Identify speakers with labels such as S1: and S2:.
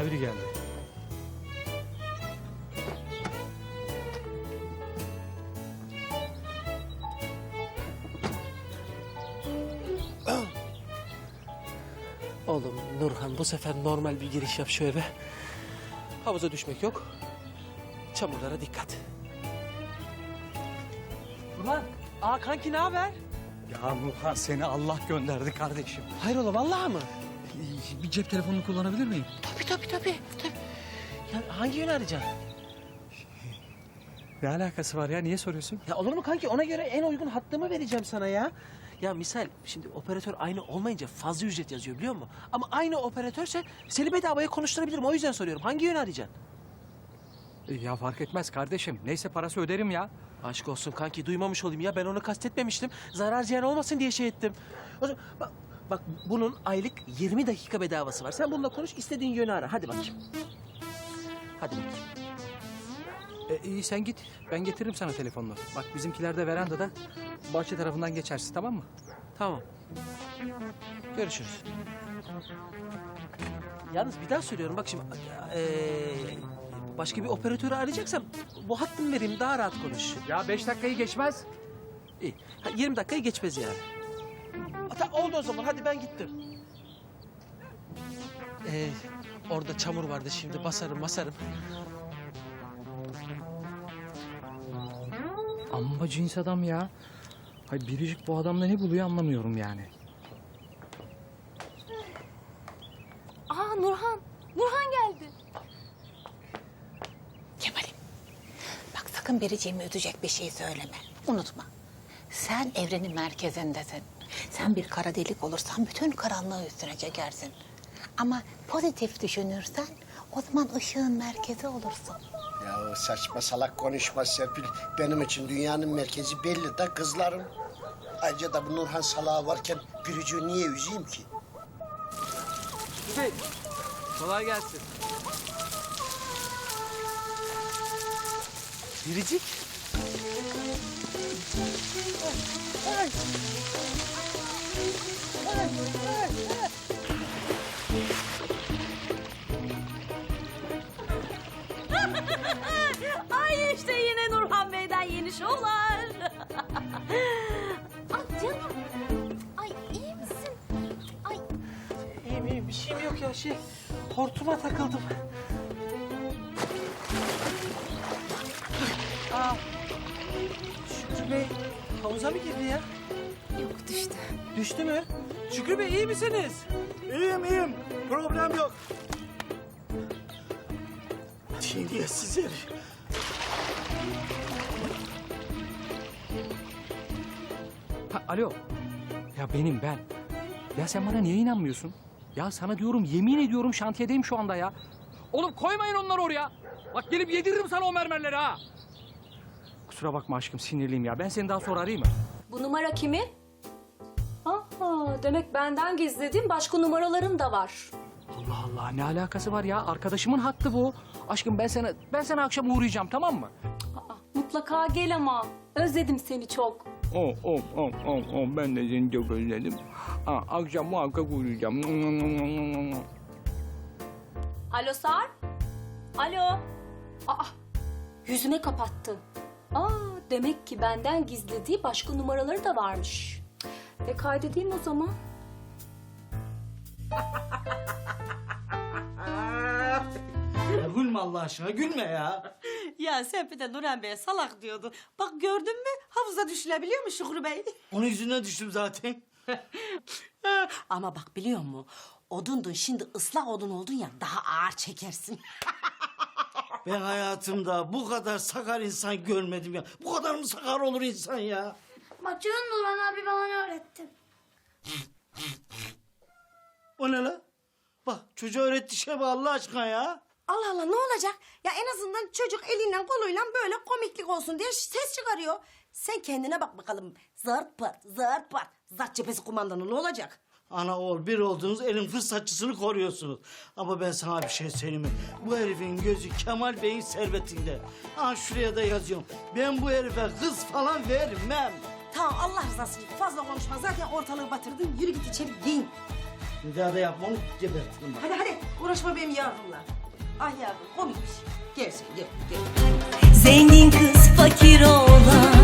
S1: biri geldi.
S2: Oğlum Nurhan, bu sefer normal bir giriş yap şu eve. Havuza düşmek yok. Çamurlara dikkat. Ulan, kanki ne haber?
S1: Ya Nurhan, seni Allah gönderdi kardeşim.
S2: Hayrola, vallahi mı?
S1: Bir cep telefonunu kullanabilir miyim?
S2: Tabii. Ya hangi yönü arayacaksın?
S1: Ne alakası var ya? Niye soruyorsun?
S2: Ya olur mu kanki? Ona göre en uygun hattımı vereceğim sana ya. Ya misal şimdi operatör aynı olmayınca fazla ücret yazıyor biliyor musun? Ama aynı operatörse seni bedavaya konuşturabilirim. O yüzden soruyorum. Hangi yönü arayacaksın?
S1: Ya fark etmez kardeşim. Neyse parası öderim ya.
S2: Aşk olsun kanki, duymamış olayım ya. Ben onu kastetmemiştim. Zarar ziyan olmasın diye şey ettim. O zaman bak bunun aylık 20 dakika bedavası var. Sen bununla konuş, istediğin yönü ara. Hadi bakayım. Hadi bakayım.
S1: İyi sen git. Ben getiririm sana telefonunu. Bak bizimkiler de verandada. Bahçe tarafından geçersin, tamam mı?
S2: Tamam. Görüşürüz. Yalnız bir daha söylüyorum. Bak şimdi başka bir operatörü arayacaksam bu hattımı vereyim, daha rahat konuş.
S1: Ya 5 dakikayı geçmez.
S2: İyi. 20 dakikayı geçmez yani. Oldu o zaman. Hadi ben gittim. Orada çamur vardı, şimdi basarım.
S1: Amma cins adam ya. Hay biricik bu adamda ne buluyor anlamıyorum yani.
S3: Aa Nurhan. Nurhan geldi.
S4: Kemal'im, bak sakın Biricik'ime üzecek bir şey söyleme. Unutma, sen evrenin merkezindesin. Sen bir kara delik olursan bütün karanlığı üstüne çekersin. Ama pozitif düşünürsen o zaman ışığın merkezi olursun.
S5: Ya saçma salak konuşma Serpil. Benim için dünyanın merkezi belli de kızlarım. Ayrıca da bu Nurhan salağı varken Gülücüğü niye üzeyim ki?
S2: Kolay gelsin. Biricik.
S3: Ay işte yine Nurhan Bey'den yeni şovlar. Ay canım. Ay iyi misin? Ay
S2: İyiyim. Bir şeyim yok ya. Hortuma takıldım. Şükrü Bey havuza mı girdi ya?
S3: yok düştü.
S2: Düştü mü? Şükrü Bey iyi misiniz?
S5: İyiyim. Problem yok. Terbiyesiz herif.
S1: Alo. Ya ben. Ya sen bana niye inanmıyorsun? Ya sana diyorum, yemin ediyorum şantiyedeyim şu anda ya. Oğlum koymayın onları oraya. Bak gelip yediririm sana o mermerleri ha. Kusura bakma aşkım, sinirliyim ya. Ben seni daha sonra arayayım mı?
S3: Bu numara kimin? Aha demek benden gizlediğin başka numaraların da var.
S1: Allah Allah, ne alakası var ya? Arkadaşımın hattı bu. Aşkım ben sana akşam uğrayacağım, tamam mı?
S3: Aa, mutlaka gel ama. Özledim seni çok.
S1: Ben de seni çok özledim. Akşam muhakkak uğrayacağım.
S3: Alo Sarp? Alo? Aa, yüzüme kapattı. Aa, demek ki benden gizlediği başka numaraları da varmış. Kaydedeyim o zaman.
S6: Ya gülme Allah aşkına, gülme ya.
S7: Ya sen bir de Nurhan Bey'e salak diyordu. Bak gördün mü havuza düşülebiliyor mu Şükrü Bey?
S6: Onun yüzünden düştüm zaten.
S7: Ama bak biliyor musun? Odundun şimdi ıslak odun oldun ya daha ağır çekersin.
S6: Ben hayatımda bu kadar sakar insan görmedim ya. Bu kadar mı sakar olur insan ya?
S8: Maçını Nurhan abi bana öğretti.
S6: O ne la? Bak çocuğa öğretti şey bu Allah aşkına ya.
S7: Allah Allah ne olacak? Ya en azından çocuk eliyle koluyla böyle komiklik olsun diye ses çıkarıyor. Sen kendine bak bakalım. Zart pat, zart pat. Zart cephesi kumandanı ne olacak?
S6: Ana oğul bir oldunuz, elin fırsatçısını koruyorsunuz. Ama ben sana bir şey söyleyeyim mi? Bu herifin gözü Kemal Bey'in servetinde. Ha şuraya da yazıyorum. Ben bu herife kız falan vermem.
S7: Tamam Allah rızası için fazla konuşma. Zaten ortalığı batırdın. Yürü git içeri giyin.
S6: Bir daha da yapma onu gebertirim bak.
S7: Hadi Uğraşma benim yavrumla. Ah yavrum komikmiş. Gel sen gel gel.
S9: Zengin kız fakir oğlan